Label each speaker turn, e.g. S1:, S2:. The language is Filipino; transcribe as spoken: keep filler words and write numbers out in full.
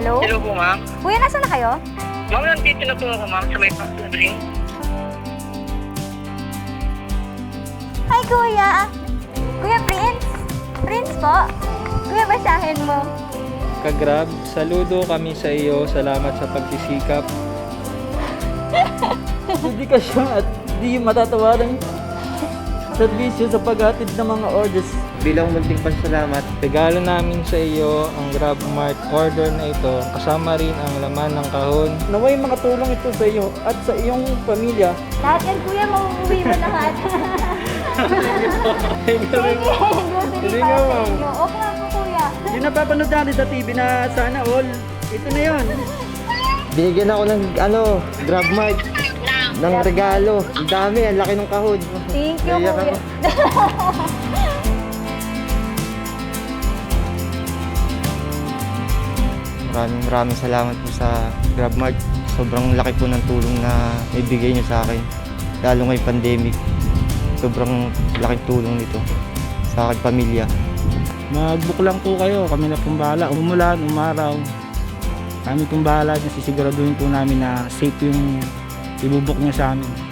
S1: Hello?
S2: Hello po, ma'am.
S1: Kuya, nasa na kayo?
S2: Ma'am, nandito na po ako, ma'am, sa may pag-drink.
S1: Hi, Kuya! Kuya Prince? Prince po? Kuya, basahin mo.
S3: Kagrab, saludo kami sa iyo. Salamat sa pagsisikap.
S4: Dedikasyon at di matatawaran serbisyo sa paghatid ng mga orders.
S5: Bilang munting pasalamat,
S3: Regalo namin sa iyo ang Grab Mart order na ito. Kasama rin ang laman ng kahon.
S4: Naway makatulong ito sa iyo at sa iyong pamilya.
S1: Lahat yan, Kuya, mauuwi mo lahat. Thank you.
S3: Hindi nga, ma'am.
S1: Okay lang po, Kuya.
S4: Yung napapanood natin sa T V na sana all, ito na yon.
S5: binigyan ako ng ano, Grab Mart ng regalo. Ang dami, ang laki ng kahon.
S1: Thank you,
S5: Naiyak
S1: Kuya.
S5: ako. Maraming maraming salamat po sa Grab Mart. Sobrang laki po ng tulong na ibigay niyo sa akin. Lalo ngayong pandemic. Sobrang laking tulong nito sa aking pamilya.
S6: Mag-book lang po kayo, kami na pong bahala. Umulan, umaraw, kami pong bahala. Sisiguraduhin po namin na safe yung ibubuk niya sa amin.